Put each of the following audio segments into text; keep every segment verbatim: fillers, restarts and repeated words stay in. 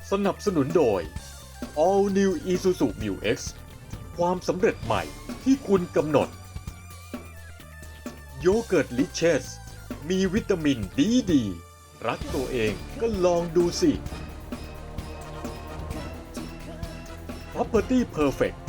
สนับสนุนโดย All New Isuzu Mu X ความสำเร็จใหม่ที่คุณกำหนดโยเกิร์ตลิเชสมีวิตามินดีดีรักตัวเองก็ลองดูสิ Property Perfect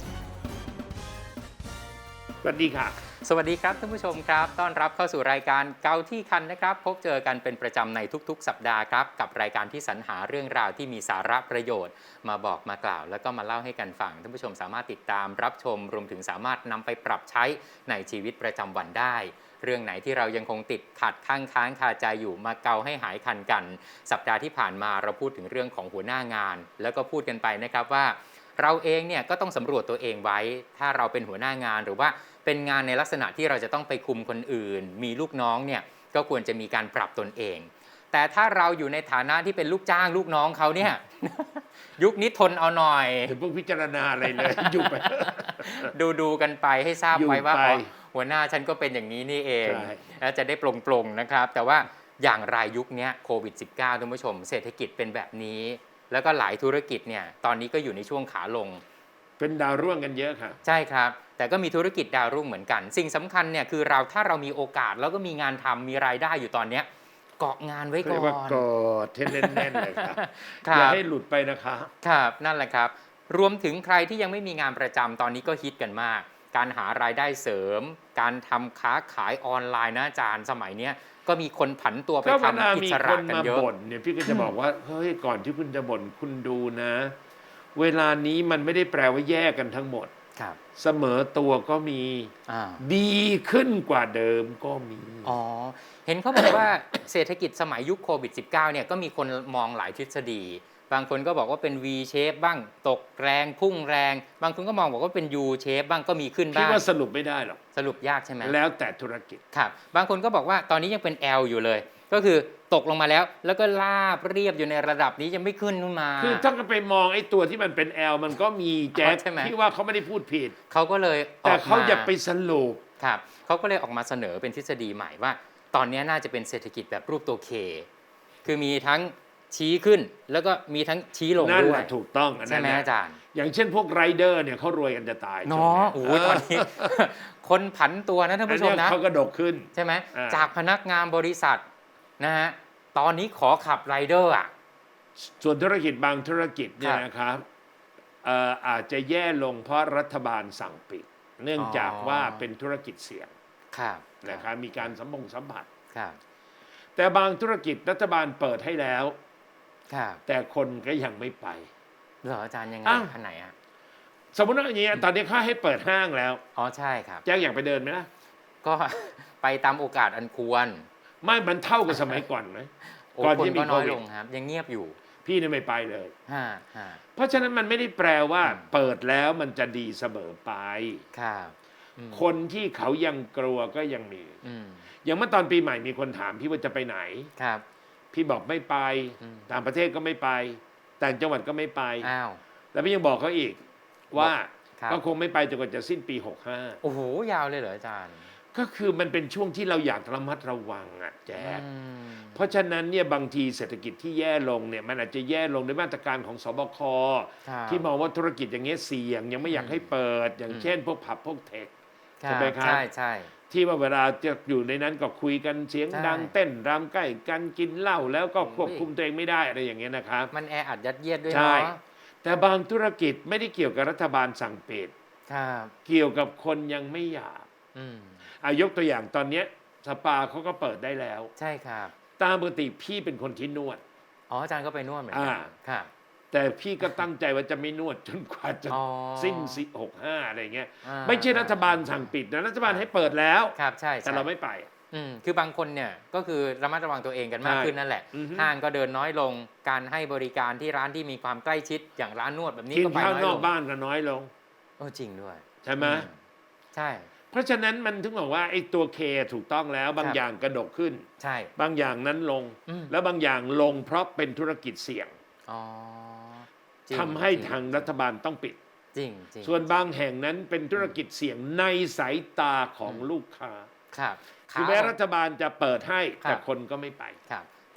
สวัสดีค่ะสวัสดีครับท่านผู้ชมครับต้อนรับเข้าสู่รายการเกาที่คันนะครับพบเจอกันเป็นประจำในทุกๆสัปดาห์ครับกับรายการที่สรรหาเรื่องราวที่มีสาระประโยชน์มาบอกมากล่าวแล้วก็มาเล่าให้กันฟังท่านผู้ชมสามารถติดตามรับชมรวมถึงสามารถนำไปปรับใช้ในชีวิตประจำวันได้เรื่องไหนที่เรายังคงติดขัดข้างค้างคาใจอยู่มาเกาให้หายคันกันสัปดาห์ที่ผ่านมาเราพูดถึงเรื่องของหัวหน้างานแล้วก็พูดกันไปนะครับว่าเราเองเนี่ยก็ต้องสำรวจตัวเองไว้ถ้าเราเป็นหัวหน้างานหรือว่าเป็นงานในลักษณะที่เราจะต้องไปคุมคนอื่นมีลูกน้องเนี่ยก็ควรจะมีการปรับตนเองแต่ถ้าเราอยู่ในฐานะที่เป็นลูกจ้างลูกน้องเขาเนี่ย ยุคนี้ทนเอาหน่อยถึงพวกพิจารณาอะไรเลย อยู่ไปดูดูกันไปให้ทราบไว้ว่าอ๋อหัวหน้าฉันก็เป็นอย่างนี้นี่เองแล้วจะได้ปลงๆนะครับแต่ว่าอย่างรายยุคนี้โควิด สิบเก้า ท่านผู้ชมเศรษฐกิจเป็นแบบนี้แล้วก็หลายธุรกิจเนี่ยตอนนี้ก็อยู่ในช่วงขาลงเป็นดาวร่วงกันเยอะค่ะใช่ครับแต่ก็มีธุรกิจดาวรุ่งเหมือนกันสิ่งสำคัญเนี่ยคือเราถ้าเรามีโอกาสแล้วก็มีงานทำมีรายได้อยู่ตอนนี้เกาะงานไว้ก่อนกอดเทนแน่นๆเลยครับอย่าให้หลุดไปนะคะครับนั่นแหละครับรวมถึงใครที่ยังไม่มีงานประจำตอนนี้ก็ฮิตกันมากการหารายได้เสริมการทำค้าขายออนไลน์นะอาจารย์สมัยนี้ก็มีคนผันตัวไปทำอิสระกันเยอะก็เวลามีคนมาบ่นเนี่ยพี่ก็จะบอกว่าเฮ้ยก่อนที่คุณจะบ่นคุณดูนะเวลานี้มันไม่ได้แปลว่าแยกกันทั้งหมดเสมอตัวก็มีดีขึ้นกว่าเดิมก็มีอ๋อเห็นเขาบอกว่า เศรษฐกิจสมัยยุคโควิด สิบเก้า เนี่ยก็มีคนมองหลายทฤษฎีบางคนก็บอกว่าเป็น V shape บ้างตกแรงพุ่งแรงบางคนก็มองบอกว่าเป็น U shape บ้างก็มีขึ้นบ้างพี่ว่าสรุปไม่ได้หรอกสรุปยากใช่ไหมแล้วแต่ธุรกิจครับบางคนก็บอกว่าตอนนี้ยังเป็น L อยู่เลยก็คือตกลงมาแล้วแล้วก็ลาบเรียบอยู่ในระดับนี้ยังไม่ขึ้นขึ้นมาคือถ้าไปมองไอ้ตัวที่มันเป็น L มันก็มีแจ๊คที่ว่าเขาไม่ได้พูดผิดเขาก็เลยแต่เขาอยากไปสรุปครับเขาก็เลยออกมาเสนอเป็นทฤษฎีใหม่ว่าตอนนี้น่าจะเป็นเศรษฐกิจแบบรูปตัว K คือมีทั้งชี้ขึ้นแล้วก็มีทั้งชี้ลงด้วยนั่นถูกต้องใช่ไหมอาจารย์อย่างเช่นพวกไรเดอร์เนี่ยเขารวยกันจะตายเนาะโอ้ตอนนี้คนผันตัวนะท่านผู้ชมนะเขากระดกขึ้นใช่ไหมจากพนักงานบริษัทนะฮะตอนนี้ขอขับไรเดอร์อ่ะส่วนธุรกิจบางธุรกิจเนี่ยนะครับอาจจะแย่ลงเพราะรัฐบาลสั่งปิดเนื่องจากว่าเป็นธุรกิจเสี่ยงนะครับมีการสัมพงสัมผัสแต่บางธุรกิจรัฐบาลเปิดให้แล้วแต่คนก็ยังไม่ไปเหรออาจารย์ยังไงขนาดไหนอ่ะสมมติว่าอย่างนี้ตอนนี้เขาให้เปิดห้างแล้วอ๋อใช่ครับแจ็คอยากไปเดินไหมล่ะก็ไปตามโอกาสอันควรไม่มันเท่ากับสมัยก่อนไหมก่อนที่มีโควิดครับยังเงียบอยู่พี่เนี่ยไม่ไปเลยเพราะฉะนั้นมันไม่ได้แปลว่าเปิดแล้วมันจะดีเสมอไปคนที่เขายังกลัวก็ยังมีอย่างเมื่อตอนปีใหม่มีคนถามพี่ว่าจะไปไหนครับพี่บอกไม่ไปต่างประเทศก็ไม่ไปต่างจังหวัดก็ไม่ไปอ้าวแล้วพี่ยังบอกเขาอีกว่าก็คงไม่ไปจนกว่าจะสิ้นปีหกห้าโอ้โหยาวเลยเหรออาจารย์ก็คือมันเป็นช่วงที่เราอยากระมัดระวังอ่ะแจ๊คเพราะฉะนั้นเนี่ยบางทีเศรษฐกิจที่แย่ลงเนี่ยมันอาจจะแย่ลงด้วยมาตรการของสบคที่มองว่าธุรกิจอย่างเงี้ยเสี่ยงยังไม่อยากให้เปิดอย่างเช่นพวกผับพวกเทคใช่ไหมครับใช่ใช่ที่ว่าเวลาจะอยู่ในนั้นก็คุยกันเสียงดังเต้นรำใกล้กันกินเหล้าแล้วก็ควบคุมตัวเองไม่ได้อะไรอย่างเงี้ยนะครับมันแออัดยัดเยียดด้วยเนาะแต่บางธุรกิจไม่ได้เกี่ยวกับรัฐบาลสั่งปิดเกี่ยวกับคนยังไม่อยากอายกตัวอย่างตอนนี้สปาเขาก็เปิดได้แล้วใช่ครับตามปกติพี่เป็นคนที่นวดอ๋ออาจารย์ก็ไปนวดเหมือนกันครับแต่พี่ก็ตั้งใจว่าจะไม่นวดจนกว่าจะสิ้นสิหกห้าอะไรเงี้ยไม่ใช่รัฐบาลสั่งปิดนะรัฐบาลให้เปิดแล้วครับใช่แต่เราไม่ไปอืมคือบางคนเนี่ยก็คือระมัดระวังตัวเองกันมากขึ้นนั่นแหละห้างก็เดินน้อยลงการให้บริการที่ร้านที่มีความใกล้ชิดอย่างร้านนวดแบบนี้ก็ไปน้อยลงกินข้าวนอกบ้านก็น้อยลงโอ้จริงด้วยใช่ไหมใช่เพราะฉะนั้นมันถึงบอกว่าไอ้ตัวเคถูกต้องแล้วบางอย่างกระดกขึ้นใช่บางอย่างนั้นลงแล้วบางอย่างลงเพราะเป็นธุรกิจเสี่ยงทำให้ทางรัฐบาลต้องปิดจริงส่วนบางแห่งนั้นเป็นธุรกิจเสี่ยงในสายตาของลูกค้าครับคือแม้รัฐบาลจะเปิดให้แต่คนก็ไม่ไปครับข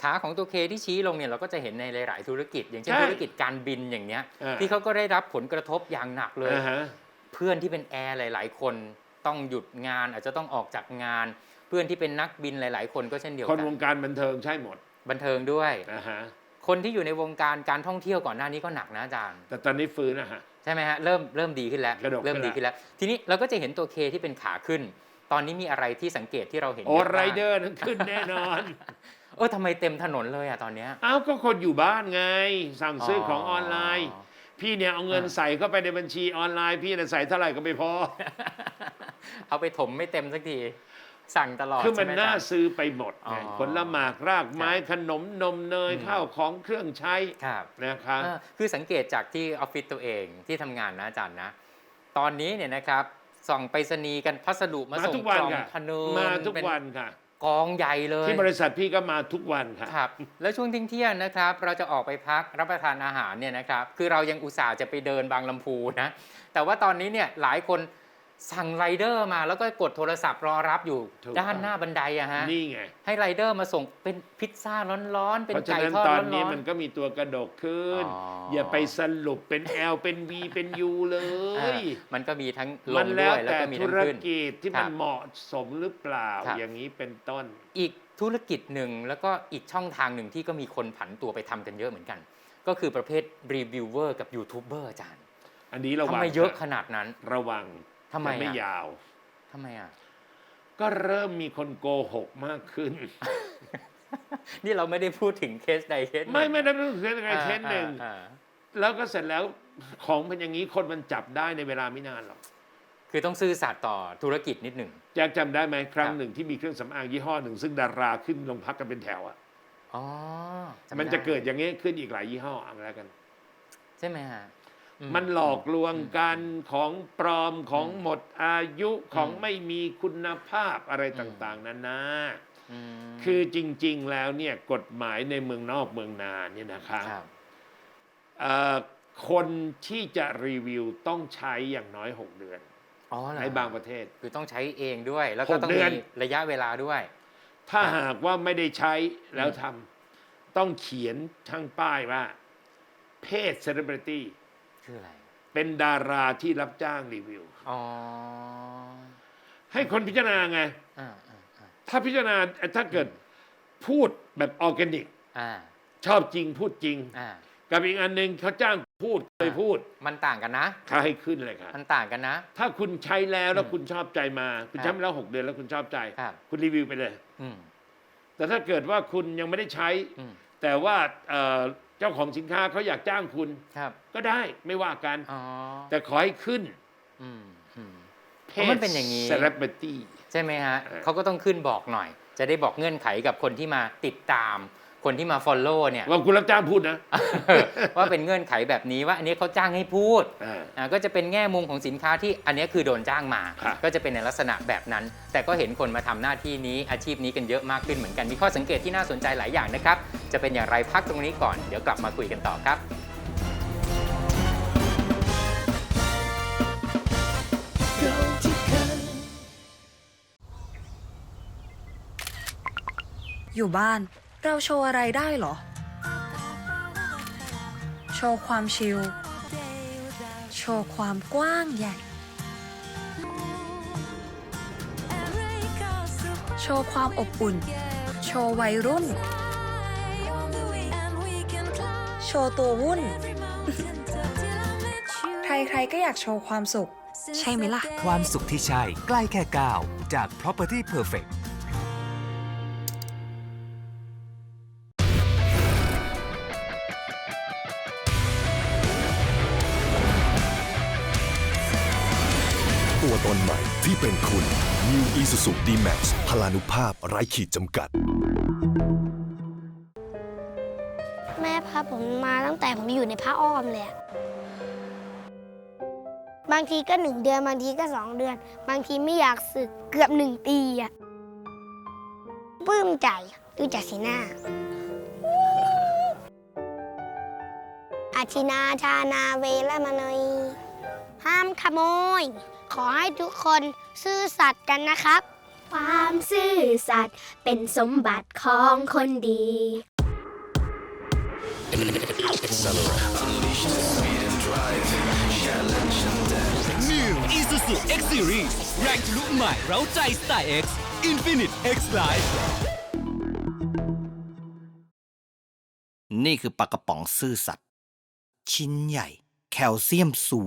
ขาของตัวเคที่ชี้ลงเนี่ยเราก็จะเห็นในหลาย ๆ ธุรกิจ อย่างเช่นใช่ธุรกิจการบินอย่างเนี้ยอ่าที่เขาก็ได้รับผลกระทบอย่างหนักเลยอ่าฮะเพื่อนที่เป็นแอร์หลาย ๆ คนต้องหยุดงานอาจจะต้องออกจากงาน เพื่อนที่เป็นนักบินหลาย ๆ คนก็เช่นเดียวคนกัวน งการบันเทิงใช่หมดบันเทิงด้วยอ่าฮะคนที่อยู่ในวงการการท่องเที่ยวก่อนหน้านี้ก็หนักนะอาจารย์แต่ตอนนี้ฟื้นนะฮะใช่ไหมฮะเริ่มเริ่มดีขึ้นแล้วกระดกเริ่มขึ้นดีขึ้นแล้ว ทีนี้เราก็จะเห็นตัวเคที่เป็นขาขึ้น ตอนนี้มีอะไรที่สังเกตที่เราเห็นโอ้เยอะไรบ้างเดอร์นั้นขึ้นแน่นอนเออทำไมเต็มถนนเลยอะตอนเนี้ยอ้าวก็คนอยู่บ้านไง สั่งซื้อของออนไลน์อ๋อพี่เนี่ยเอาเงินอ่าใส่เข้าไปในบัญชีออนไลน์ พี่เนี่ยใส่เท่าไหร่ก็ไม่พอเอาไปถมไม่เต็มสักทีสั่งตลอดคือมันใช่ไหน่าอาจารย์ซื้อไปหมดไงอ๋อผลหมากรากไม้ครับขนมนมเนยอืมข้าวของเครื่องใช้ครับนะคะเออคือสังเกตจากที่ออฟฟิศตัวเองที่ทำงานนะอาจารย์นะ ตอนนี้เนี่ยนะครับส่องไปรษณีย์กันพัสดุมามาส่งทุกกวันล่องค่ะพะเนินมาทุกเป็นวันค่ะกองใหญ่เลยที่บริษัทพี่ก็มาทุกวันค่ะครับ แล้วช่วงเที่ยงๆนะครับ เราจะออกไปพักรับประทานอาหารเนี่ยนะครับ คือเรายังอุตส่าห์จะไปเดินบางลำพูนะ แต่ว่าตอนนี้เนี่ยหลายคนสั่งไรเดอร์มาแล้วก็กดโทรศัพท์รอรับอยู่ถูกด้านหน้าบันไดอะฮะนี่ไงให้ไรเดอร์มาส่งเป็นพิซซ่าร้อนๆ เป็นเพราะฉะไก่นั้นทอดตร้ออน นนี้มันก็มีตัวกระดกขึ้นอ๋อออย่าไปสรุปเป็น L เป็น V เป็น U เลๆอ่าย มันก็มีทั้งลมันงแล้ด้ววยแล้วแต่ก็มีธุทั้งรขึ้นกิจที่ครัมันบเหมาะสมหรือเปล่าครับอย่างนี้เป็นต้นอีกธุรกิจหนึ่งแล้วก็อีกช่องทางหนึ่งที่ก็มีคนผันตัวไปทำกันเยอะเหมือนกัน ก็คือประเภทรีวิวเวอร์กับยูทูบเบอร์อาจารย์อันนี้ระทำวังไมเยอะนขนาดนั้นระวังทำไมแต่ไม่อะยาวทำไมอ่ะก็เริ่มมีคนโกหกมากขึ้นนี่เราไม่ได้พูดถึงเคสใดเคสหนึ่งไม่ไม่ได้พูดถึงเคสใดเคสหนึ่งอ่าอ่าแล้วก็เสร็จแล้วของเป็นอย่างนี้คนมันจับได้ในเวลาไม่นานหรอกคือต้องซื่อสัตย์ต่อธุรกิจนิดหนึ่งแจ็คจำได้ไหมครั้งครับหนึ่งที่มีเครื่องสำอางยี่ห้อหนึ่ง ซึ่งดาราขึ้นลงพักกันเป็นแถวอ่ะอ๋อจำมันจะไเกิดอย่างนี้ขึ้นอีกหลายยี่ห้อเอาแล้วกันใช่ไหมฮะอืมันหลอกลวงการของปลอมของหมดอายุของอืมไม่มีคุณภาพอะไรอืมต่างๆนานาอืมคือจริง ๆ แล้วเนี่ยกฎหมายในเมืองนอกเมืองนาเนี่ยนะคะครับเอ่อคนที่จะรีวิวต้องใช้อย่างน้อย หก เดือนอ๋อเหรอในบางประเทศคือต้องใช้เองด้วย แล้วก็หกต้องเดืมีอนระยะเวลาด้วยถ้าครับหากว่าไม่ได้ใช้แล้วอืมทำต้องเขียนทั้งป้ายว่าเพศเซเลบริตี้คืออะไรเป็นดาราที่รับจ้างรีวิวอ๋อให้คนพิจารณาไงอ่าอ่าอ่าถ้าพิจารณาถ้าเกิดพูดแบบออร์แกนิกอ่าชอบจริงพูดจริงอ่ากับอีกอันหนึ่งเขาจ้างพูดเคยพูดมันต่างกันนะเขาให้ขึ้นเลยค่ะมันต่างกันนะถ้าคุณใช้แล้วแล้วอืมคุณชอบใจมา คุณครับใช้มาแล้วหกเดือนแล้วคุณชอบใจครับคุณรีวิวไปเลยอืมแต่ถ้าเกิดว่าคุณยังไม่ได้ใช้อืมแต่ว่าเอ่อเจ้าของสินค้าเขาอยากจ้างคุณครับก็ได้ไม่ว่ากันอ๋อแต่ขอให้ขึ้นอืมอืมเพเพราะมันเป็นอย่างนี้เซเลบริตี้ใช่ไหมฮะเออเขาก็ต้องขึ้นบอกหน่อย จะได้บอกเงื่อนไขกับคนที่มาติดตาม คนที่มา follow เนี่ยว่าคุณรับจ้างพูดนะว่าเป็นเงื่อนไขแบบนี้ว่าอันนี้เขาจ้างให้พูดอ่าอ่าก็จะเป็นแง่มุมของสินค้าที่อันนี้คือโดนจ้างมาครับก็จะเป็นในลักษณะแบบนั้น แต่ก็เห็นคนมาทำหน้าที่นี้อาชีพนี้กันเยอะมากขึ้นเหมือนกันมีข้อสังเกตที่น่าสนใจหลายอย่างนะครับจะเป็นอย่างไรพักตรงนี้ก่อนเดี๋ยวกลับมาคุยกันต่อครับอยู่บ้านเราโชว์อะไรได้เหรอ โชว์ความชิล โชว์ความกว้างใหญ่ โชว์ความอบอุ่น โชว์วัยรุ่น โชว์ตัววุ่น ใครๆก็อยากโชว์ความสุข ใช่ไหมล่ะความสุขที่ใช่ใกล้แค่ก้าวจาก Property Perfect ตัวตนใหม่ที่เป็นคุณ New Isuzu D-Max พลานุภาพไร้ขีดจำกัดแม่พาผมมาตั้งแต่ผมอยู่ในผ้าอ้อมเลยอะบางทีก็หนึ่งเดือนบางทีก็สองเดือน บางทีไม่อยากสึกเกือบหนึ่งปีอะปลื้มใจดูจากสีหน้า อาชินาชานาเวละมานอยห้ามขโมย ขอให้ทุกคนซื่อสัตย์กันนะครับความซื่อสัตย์เป็นสมบัติของคนดี Accelerate New Isuzu X Series แรงทะลุใหม่เร้าใจสไตล์ X Infinite X Life นี่คือปลากระป๋องซื่อสัตย์ชิ้นใหญ่ แคลเซียมสู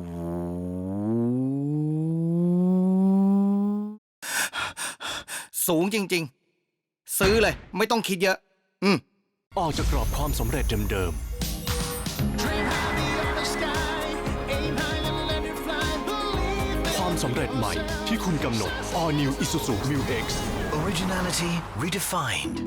ง สูงจริงๆ ซื้อเลยไม่ต้องคิดเยอะ อืมออกจากกรอบความสำเร็จเดิมๆ ความสำเร็จใหม่ที่คุณกำหนด All New Isuzu Mu X Originality Redefined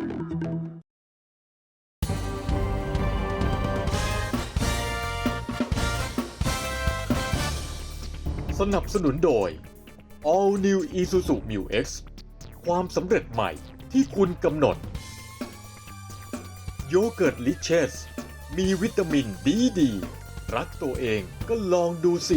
สนับสนุนโดย All New Isuzu Mu X ความสำเร็จใหม่ที่คุณกำหนด โยเกิร์ตลิเชสมีวิตามินดีดี รักตัวเองก็ลองดูสิ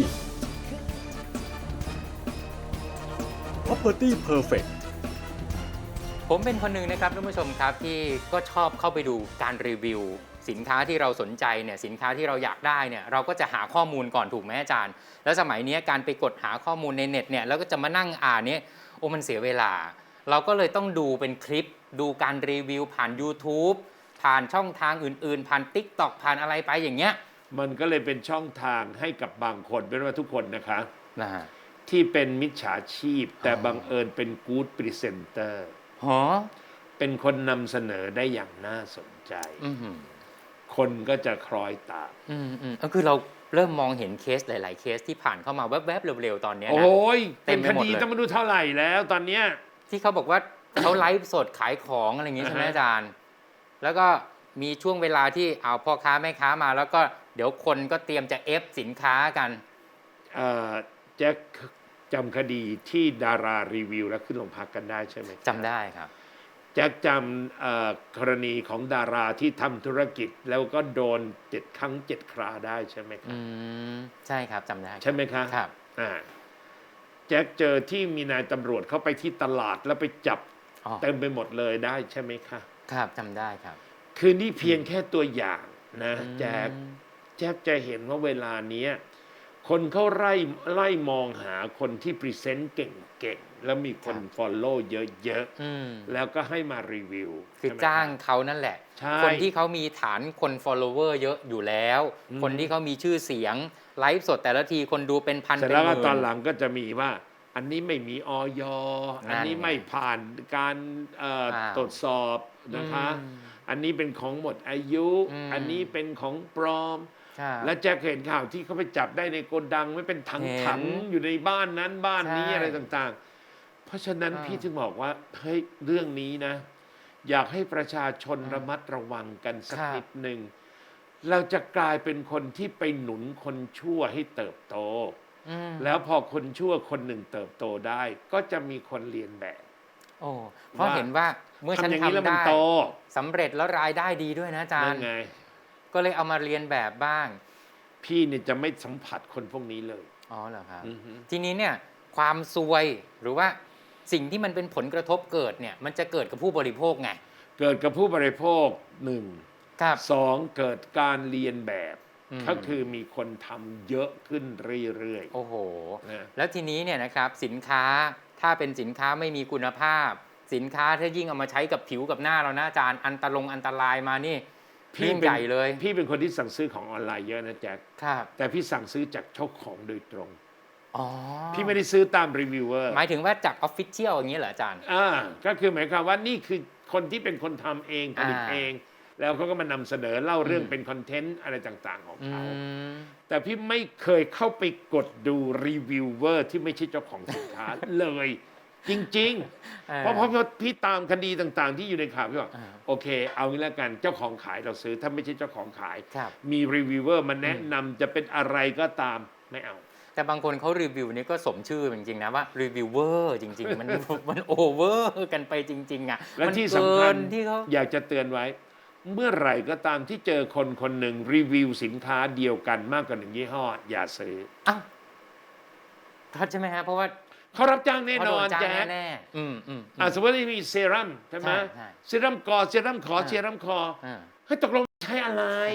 Property Perfect ผมเป็นคนหนึ่งนะครับท่านผู้ชมครับที่ก็ชอบเข้าไปดูการรีวิว สินค้าที่เราสนใจเนี่ยสินค้าที่เราอยากได้เนี่ยเราก็จะหาข้อมูลก่อนถูกไหมอาจารย์แล้วสมัยนี้การไปกดหาข้อมูลในเน็ตเนี่ยแล้วก็จะมานั่งอ่านเนี่ยโอ้มันเสียเวลา เราก็เลยต้องดูเป็นคลิปดูการรีวิวผ่าน YouTube ผ่านช่องทางอื่นๆ ผ่าน TikTok ผ่านอะไรไปอย่างเงี้ยมันก็เลยเป็นช่องทางให้กับบางคนไม่ว่าทุกคนนะคะนะฮะที่เป็นมิจฉาชีพ แต่บังเอิญเป็นกู๊ดพรีเซนเตอร์ฮะเป็นคนนำเสนอได้อย่างน่าสนใจอือหือคนก็จะคล้อยตามอืมอืมก็คือเราเริ่มมองเห็นเคสหลาย ๆ เคสที่ผ่านเข้ามาแวบๆเร็วๆตอนเนี้ยโอนะ้ยเต็เป็มนไปคหมดดีเลยต้องมาดูเท่าไหร่แล้วตอนเนี้ยที่เขาบอกว่า เขาไลฟ์สดขายของอะไรอย่างงี้ใช่ไหมอ่าฮะอาจารย์ แล้วก็มีช่วงเวลาที่เอาพ่อค้าแม่ค้ามา แล้วก็เดี๋ยวคนก็เตรียมจะเอฟสินค้ากันเอ่อแจ็คจำคดีที่ดารารีวิวแล้วขึ้นโรงพักกันได้ใช่ไหมจำได้ครับแจ็คจำเอ่อกรณีของดาราที่ทำธุรกิจแล้วก็โดนเจ็ดครั้งเจ็ดคราได้ใช่ไหมครัอืบมใช่ครับจำได้ใช่ไหมคะครับอ่าแจ็คเจอที่มีนายตำรวจเข้าไปที่ตลาดแล้วไปจับอ๋อเต็มไปหมดเลยได้ใช่ไหมคะครับจำได้ครับคือนี่เพียงแค่ตัวอย่างนะอืมแจ็คแจ็คจะเห็นว่าเวลาเนี้ยคนเขาไล่ไล่มองหาคนที่พรีเซนต์เก่งๆ แล้วมีคนฟอลโล่เยอะอืมๆ แล้วก็ให้มารีวิวคือใช่ไหมจ้างรับเขานั่นแหละใช่คนที่เขามีฐานคน follower เยอะอยู่แล้วอืมคนที่เขามีชื่อเสียงไลฟ์สดแต่ละทีคนดูเป็นพันเสร็จเป็นแล้วหก็มื่นตอนหลังก็จะมีว่า อันนี้ไม่มีออยอันนี้นั่นไงไม่ผ่านการเอ่ออ้าวตรวจสอบนะคะอืมอันนี้เป็นของหมดอายุอืมอันนี้เป็นของปลอมครับและแจ็คเห็นข่าวที่เขาไปจับได้ในโกดังไม่เป็นถังเห็นถังอยู่ในบ้านนั้นบ้านนี้ใช่อะไรต่างๆ เพราะฉะนั้นอ่าพี่ถึงบอกว่าเฮ้ยเรื่องนี้นะ อยากให้ประชาชนอ่าระมัดระวังกันสักครับนิดหนึ่งเราจะกลายเป็นคนที่ไปหนุนคนชั่วให้เติบโตอืมแล้วพอคนชั่วคนหนึ่งเติบโตได้ ก็จะมีคนเรียนแบบโอ้เพราะว่าเห็นว่าเมื่อฉันทำอย่างนี้แล้วทำมันได้โตสำเร็จแล้วรายได้ดีด้วยนะอาจารนั่นย์ไงก็เลยเอามาเรียนแบบบ้างพี่เนี่ยจะไม่สัมผัสคนพวกนี้เลยอ๋อเหรอครับอือฮึทีนี้เนี่ยความซวยหรือว่าสิ่งที่มันเป็นผลกระทบเกิดเนี่ยมันจะเกิดกับผู้บริโภคไงเกิดกับผู้บริโภคหนึ่งครับสองเกิดการเรียนแบบอืมก็คือมีคนทำเยอะขึ้นเรื่อยโอ้โหๆนะแล้วทีนี้เนี่ยนะครับสินค้าถ้าเป็นสินค้าไม่มีคุณภาพ สินค้าถ้ายิ่งเอามาใช้กับผิวกับหน้าเรานะอาจารย์อันตรงอันตรายมานี่เรื่องเป็นใหญ่เลยพี่เป็นคนที่สั่งซื้อของออนไลน์เยอะนะแจ็คครับแต่พี่สั่งซื้อจากเจ้าของโดยตรงอ๋อพี่ไม่ได้ซื้อตามรีวิวเวอร์หมายถึงว่าจากออฟฟิเชียลอย่างนี้เหรออาจารย์อ่าก็คือหมายความว่านี่คือคนที่เป็นคนทำเองผลิตอ่าเอง แล้วเขาก็มานำเสนอเล่าเรื่องอืมเป็นคอนเทนต์อะไรต่างๆของอืเขามแต่พี่ไม่เคยเข้าไปกดดูรีวิวเวอร์ที่ไม่ใช่เจ้าของสินค้า เลย จริงๆ เพราะเพราะพี่ตามคดีต่างๆ ที่อยู่ในข่าวพี่บอกอ่าโอเค เอางี้แล้วกันเจ้าของขายเราซื้อถ้าไม่ใช่เจ้าของขายครับมีรีวิวเวอร์มาแนะนำจะเป็นอะไรก็ตามไม่เอาแต่บางคนเขารีวิวนี่ก็สมชื่อจริงๆนะว่ารีวิวเวอร์จริง ๆ มัน มันโอเวอร์กันไปจริง ๆอ่ะและมันที่เกิสำคัญนที่เขาอยากจะเตือนไว้ เมื่อไหร่ก็ตามที่เจอคนคนหนึ่งรีวิวสินค้าเดียวกันมากกว่าหนึ่งยี่ห้อ อย่าซื้ออ้าวทัดใช่ไหมฮะเพราะว่าเขารับจ้างแน่เขานโดอนนจ้างแจ๊คแน่ๆอืมอืมอืมอ่ะสมมติว่ามีเซรั่มใช่ไหมใช่ใช่เซรั่มกอเซรั่มขออ่าเซรั่มคออ่าเฮ้ยตกลงใช้อะไร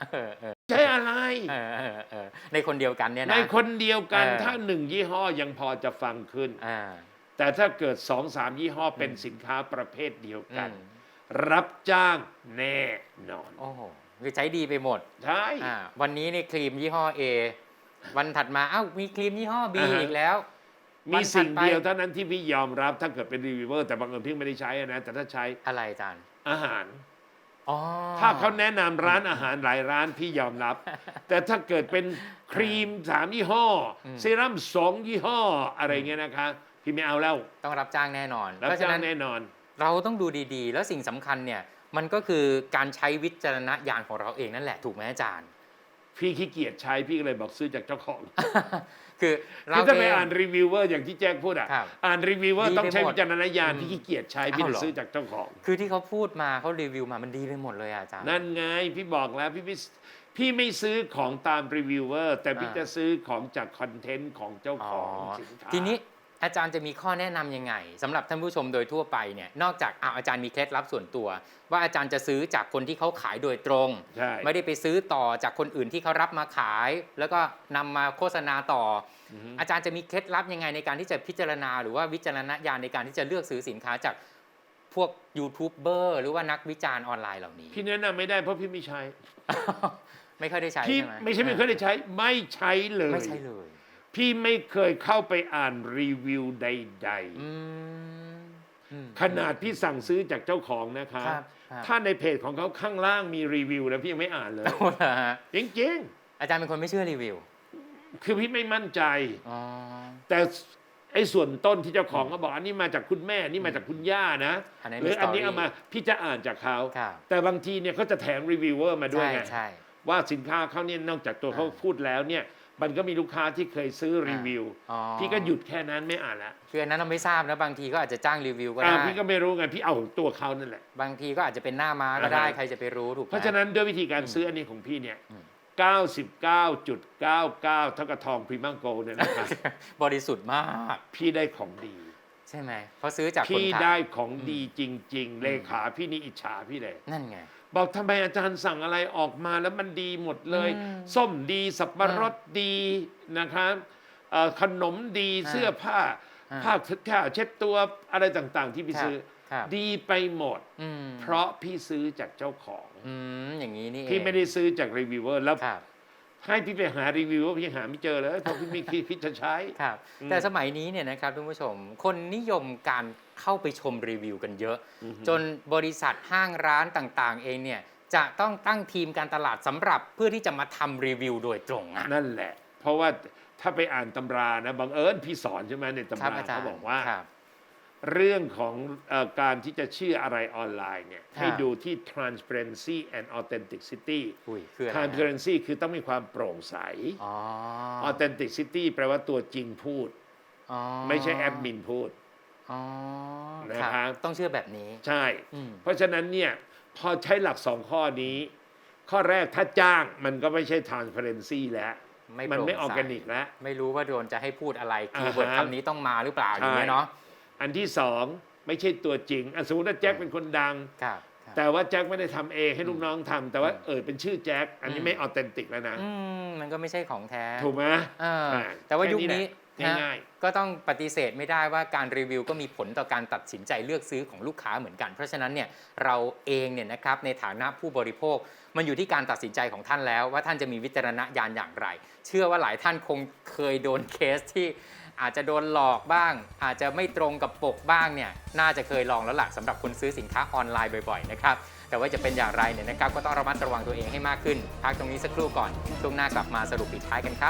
เออเออใช้อะไรเออเออเออในคนเดียวกันเนี่ยในนะคนเดียวกันเออถ้าหนึ่งยี่ห้อยังพอจะฟังขึ้นอ่าแต่ถ้าเกิดสองสามยี่ห้อเป็นสินค้าประเภทเดียวกันอืมรับจ้างแน่นอนโอ้โหคือใช้ดีไปหมดใช่อ่าวันนี้ในครีมยี่ห้อ A วันถัดมาเอ้ามีครีมยี่ห้อ B อ่าฮะอีกแล้วมีสิ่งวันถัดไปเดียวเท่านั้นที่พี่ยอมรับถ้าเกิดเป็นรีวิวเวอร์แต่บางเอิญพี่ไม่ได้ใช้อะนะแต่ถ้าใช้อะไรอาจารย์อาหารอ๋อถ้าเขาแนะนำร้านอาหารหลายร้านพี่ยอมรับ แต่ถ้าเกิดเป็นครีมสามยี่ห้ออเซรั่มสองยี่ห้ออะไรเงี้ยนะคะพี่ไม่เอาแล้วต้องรับจ้างแน่นอนรับเพราะฉะจ้างนั้นแน่นอนเราต้องดูดีๆ แล้วสิ่งสำคัญเนี่ยมันก็คือการใช้วิจารณญาณของเราเองนั่นแหละถูกไหมอาจารย์พี่ขี้เกียจใช้พี่ก็เลยบอกซื้อจากเจ้าของคือเราคือถ้าไปเองอ่านรีวิวเวอร์อย่างที่แจ้งพูดอ่ะครับอ่านรีวิวเวอร์ดีไปต้องใช้หมดวิจารณญาณอืมพี่ขี้เกียจใช้พี่อ้าวเลยเหรอซื้อจากเจ้าของคือที่เขาพูดมาเขารีวิวมามันดีไปหมดเลยอะอาจารย์นั่นไงพี่บอกแล้วพี่ไม่พี่ไม่ซื้อของตามรีวิวเวอร์แต่พี่อ่าจะซื้อของจากคอนเทนต์ของเจ้าของสินค้าทีนี้อาจารย์จะมีข้อแนะนำยังไงสำหรับท่านผู้ชมโดยทั่วไปเนี่ยนอกจากอ้าวอาจารย์มีเคล็ดลับส่วนตัว ว่าอาจารย์จะซื้อจากคนที่เขาขายโดยตรงใช่ไม่ได้ไปซื้อต่อจากคนอื่นที่เขารับมาขาย แล้วก็นำมาโฆษณาต่อออฮึอาจารย์จะมีเคล็ดลับยังไงในการที่จะพิจารณาหรือว่าวิจารณญาณในการที่จะเลือกซื้อสินค้าจากพวกยูทูบเบอร์หรือว่านักวิจารณ์ออนไลน์เหล่านี้พี่แนะนำไม่ได้เพราะพี่ไม่ใช้ไม่ค่อยได้ใช้พี่ใช่ไหมไม่ใช่ไม่เคยได้ใช้ไม่ใช้เลยไม่ใช่เลยพี่ไม่เคยเข้าไปอ่านรีวิวใดอืมอืมๆ ขนาดพี่สั่งซื้อจากเจ้าของนะคะครับครับถ้าในเพจของเขาข้างล่างมีรีวิวแล้วพี่ยังไม่อ่านเลยเอาเหรอฮะจริงอาจารย์เป็นคนไม่เชื่อรีวิวๆ คือพี่ไม่มั่นใจอ๋อแต่ไอ้ส่วนต้นที่เจ้าของเขาบอกอันนี้มาจากคุณแม่อันนี้มาจากคุณย่านะอันนั้นหรืออันนี้มีเอามา story พี่จะอ่านจากเขาครับแต่บางทีเนี่ยเขาจะแถมรีวิวเวอร์มาด้วยใช่ไงใช่ว่าสินค้าเขาเนี่ยนอกจากตัวเขาอ่าพูดแล้วเนี่ยมันก็มีลูกค้าที่เคยซื้อรีวิวอ๋อพี่ก็หยุดแค่นั้นไม่อ่านละคืออันนั้นเราไม่ทราบนะบางทีก็อาจจะจ้างรีวิวก็อ่าได้พี่ก็ไม่รู้ไงพี่เอาตัวเขานั่นแหละบางทีก็อาจจะเป็นหน้าม้าก็ได้อ่าฮะใครจะไปรู้ถูกไหมเพราะฉะนั้นด้วยวิธีการซื้ออันนี้ของพี่เนี่ยอืมเก้าสิบเก้าจุดเก้าเก้า เท่ากับทองพรีเมียมโกลด์เนี่ยนะครับบริสุทธิ์มากพี่ได้ของดีใช่ไหมเพราะซื้อจากคนพี่ขายได้ของดีจริง ๆ เลขาพี่นี่อิจฉาพี่เลยนั่นไงบอกทำไมอาจารย์สั่งอะไรออกมาแล้วมันดีหมดเลยอืมส้มดีสับปะรดดีนะครับเอ่อขนมดีอ่าเสื้อผ้าอ่าผ้าเช็ดผ้าเช็ดตัวอะไรต่างๆ ที่พี่ครับซื้อครับดีไปหมดอืมเพราะพี่ซื้อจากเจ้าของอืมอย่างนี้นี่เองพี่ไม่ได้ซื้อจากรีวิวเวอร์แล้วครับให้พี่ไปหารีวิวเวอร์พี่หาไม่เจอเลยเพราะพี่ไม่คิดคิดจะใช้ครับอืมแต่สมัยนี้เนี่ยนะครับทุกผู้ชม คนนิยมการเข้าไปชมรีวิวกันเยอะอือฮึจนบริษัทห้างร้านต่างๆ เองเนี่ยจะต้องตั้งทีมการตลาดสำหรับเพื่อที่จะมาทำรีวิวโดยตรงอะนั่นแหละ เพราะว่าถ้าไปอ่านตำรานะบังเอิญพี่สอนใช่ไหมในตำครับราอาจารเขาย์บอกว่าครับเรื่องของเออการที่จะเชื่ออะไรออนไลน์เนี่ยครับให้ดูที่ transparency and authenticity อุ้ยคืออะไรฮะ transparency คือต้องมีความโปร่งใสอ๋อ authenticity แปลว่าตัวจริงพูดอ๋อไม่ใช่แอดมินพูดอ๋อนะครับต้องเชื่อแบบนี้ใช่อืมเพราะฉะนั้นเนี่ยพอใช้หลักสองข้อนี้ ข้อแรกถ้าจ้างมันก็ไม่ใช่ transparency แล้วไม่มันไม่โปอร่อง ร์ใสแกนิกแล้วไม่รู้ว่าโดนจะให้พูดอะไรอ่าคีย์เวิร์ดฮะคำนี้ต้องมาหรือเปล่าอย่างใช่เงี้ยเนาะอันที่สองไม่ใช่ตัวจริงอ่ะสมมติว่าแจ็คเป็นคนดังครับครับแต่ว่าแจ็คไม่ได้ทำเองให้ลูกน้องทำแต่ว่าเออเป็นชื่อแจ็คอันนี้อืมไม่ออเทนติกแล้วนะอืมมันก็ไม่ใช่ของแท้ถูกไหมเอออ่าแต่ว่าแค่ยุคนี้แหละนี้ง่ายๆนะก็ต้องปฏิเสธไม่ได้ว่าการรีวิวก็มีผลต่อการตัดสินใจเลือกซื้อของลูกค้าเหมือนกัน เพราะฉะนั้นเนี่ยเราเองเนี่ยนะครับในฐานะผู้บริโภค มันอยู่ที่การตัดสินใจของท่านแล้ว ว่าท่านจะมีวิจารณญาณอย่างไร เชื่อว่าหลายท่านคงเคยโดนเคสที่อาจจะโดนหลอกบ้าง อาจจะไม่ตรงกับปกบ้างเนี่ยน่าจะเคยลองแล้วล่ะสำหรับคนซื้อสินค้าออนไลน์บ่อยๆนะครับแต่ว่าจะเป็นอย่างไรเนี่ยนะครับก็ต้องระมัดระวังตัวเองให้มากขึ้นพักตรงนี้สักครู่ก่อนช่วงหน้ากลับมาสรุปปิดท้ายกันครับ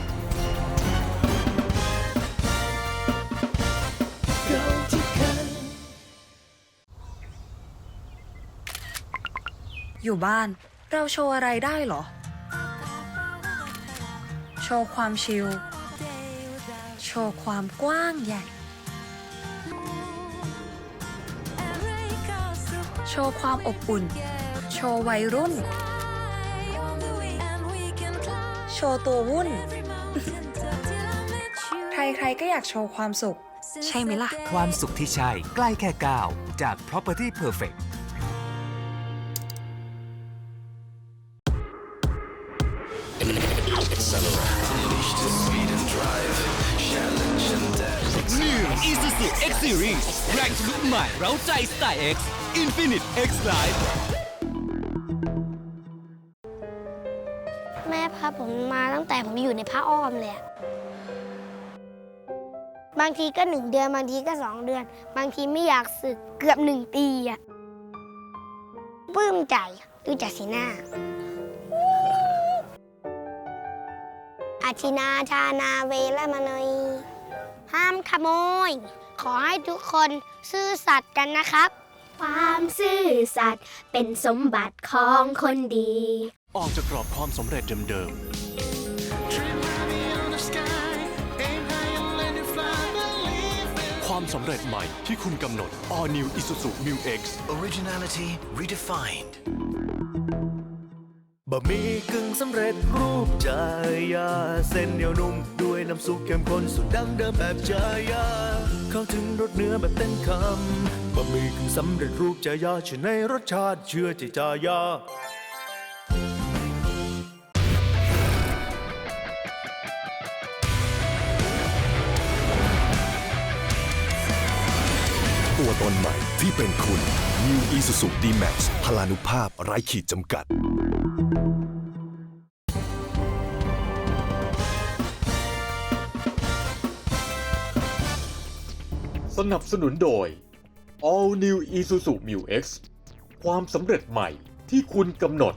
อยู่บ้านเราโชว์อะไรได้เหรอ โชว์ความชิล โชว์ความกว้างใหญ่ โชว์ความอบอุ่น โชว์วัยรุ่น โชว์ตัววุ่น ใครๆก็อยากโชว์ความสุข ใช่ไหมล่ะความสุขที่ใช่ใกล้แค่ก้าวจาก Property Perfect New Isuzu X Series แรงทะลุใหม่เร้าใจสไตล์ X Infinite X Life แม่พาผมมาตั้งแต่ผมอยู่ในผ้าอ้อมเลยอะบางทีก็หนึ่งเดือนบางทีก็สองเดือน บางทีไม่อยากสึกเกือบหนึ่งปีอะปลื้มใจดูจากสีหน้า อาทินาทานาเวรมณีห้ามขโมย ขอให้ทุกคนซื่อสัตย์กันนะครับความซื่อสัตย์เป็นสมบัติของคนดีออกจากกรอบความสำเร็จเดิมๆ ความสำเร็จใหม่ที่คุณกำหนด All New Isuzu Mu X Originality redefined บะหมี่กึ่งสำเร็จรูปจายาเส้นเหนียวนุ่มด้วยน้ำซุปเข้มข้นสูตรดั้งเดิมแบบจายาเข้าถึงรสเนื้อแบบเต็มคำบะหมี่กึ่งสำเร็จรูปจายาเชื่อในรสชาติเชื่อใจจายาตัวตนใหม่ที่เป็นคุณ New Isuzu D-Max พลานุภาพไร้ขีดจำกัดสนับสนุนโดย All New Isuzu Mu X ความสำเร็จใหม่ที่คุณกำหนด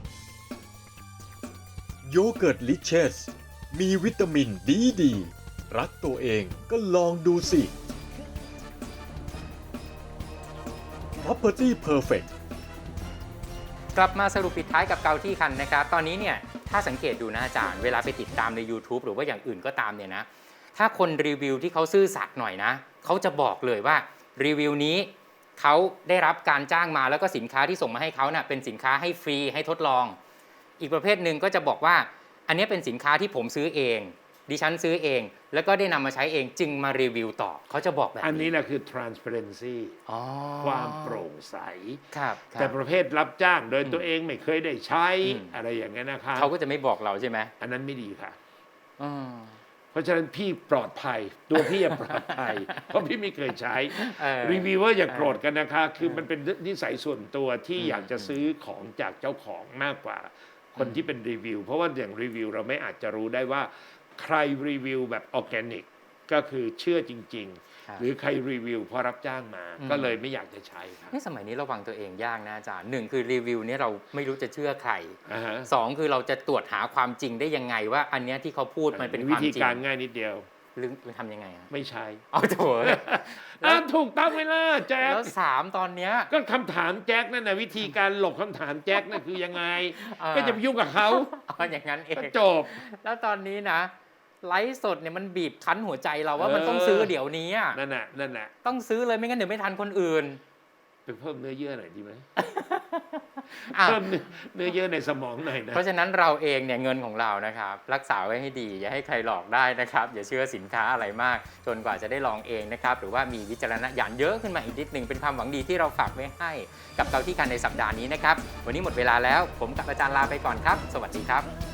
โยเกิร์ตลิเชสมีวิตามินดีดีรักตัวเองก็ลองดูสิ Property Perfect กลับมาสรุปปิดท้ายกับเกาที่คันนะครับตอนนี้เนี่ยถ้าสังเกตดูนะอาจารย์เวลาไปติดตามใน YouTube หรือว่าอย่างอื่นก็ตามเนี่ยนะถ้าคนรีวิวที่เขาซื่อสัตย์หน่อยนะเขาจะบอกเลยว่ารีวิวนี้เขาได้รับการจ้างมาแล้วก็สินค้าที่ส่งมาให้เขาเนะ่ะเป็นสินค้าให้ฟรีให้ทดลองอีกประเภทหนึ่งก็จะบอกว่าอันนี้เป็นสินค้าที่ผมซื้อเองดิฉันซื้อเองแล้วก็ได้นำมาใช้เองจึงมารีวิวต่อเขาจะบอกแบบนี้อันนี้แหละคือ transparency ความโปร่งใสครับแต่ประเภทรับจ้างโดยตัวเองไม่เคยได้ใช้อะไรอย่างเงี้ยนะคะเขาก็จะไม่บอกเราใช่ไหมอันนั้นไม่ดีค่ะอืมเพราะฉะนั้นพี่ปลอดภัยตัวพี่ปลอดภัย เพราะพี่ไม่เคยใช้รีวิวเวอร์อย่าโกรธกันนะคะคือมันเป็นนิสัยส่วนตัวที่อยากจะซื้อของจากเจ้าของมากกว่าคนที่เป็นรีวิวเพราะว่าอย่างรีวิวเราไม่อาจจะรู้ได้ว่าใครรีวิวแบบออร์แกนิกก็คือเชื่อจริงๆหรือใครรีวิวเพราะรับจ้างมาก็เลยไม่อยากจะใช้ครับนี่สมัยนี้ระวังตัวเองยากนะอาจารย์หนึ่งคือรีวิวนี้เราไม่รู้จะเชื่อใคร uh-huh. สองคือเราจะตรวจหาความจริงได้ยังไงว่าอันนี้ที่เขาพูดมันเป็นความจริงวิธีการง่ายนิดเดียวหรือทำยังไงไม่ใช้เอาโถแล้วถูกต้องไหมล่ะแจ็คแล้วสามตอนเนี้ยก็คำถามแจ็คนั่นนะวิธีการหลบคำถามแจ็คนั่นคือยังไงก็จะไปยุ่งกับเขาเอาอย่างนั้นเองจบแล้วตอนนี้นะไลฟ์สดเนี่ยมันบีบคั้นหัวใจเราว่ามันต้องซื้อเดี๋ยวนี้นั่นแหละนั่นแหละต้องซื้อเลยไม่งั้นเดี๋ยวไม่ทันคนอื่นไปเพิ่มเนื้อเยื่อหน่อยดีไหมเพิ่มเนื้อเยื่อในสมองหน่อยนะเพราะฉะนั้นเราเองเนี่ยเงินของเรานะครับรักษาไว้ให้ดีอย่าให้ใครหลอกได้นะครับอย่าเชื่อสินค้าอะไรมากจนกว่าจะได้ลองเองนะครับหรือว่ามีวิจารณญาณเยอะขึ้นมาอีกนิดหนึ่งเป็นความหวังดีที่เราฝากไว้ให้กับเกาที่คันในสัปดาห์นี้นะครับวันนี้หมดเวลาแล้วผมกับอาจารย์ลาไปก่อนครับสวัสดีครับ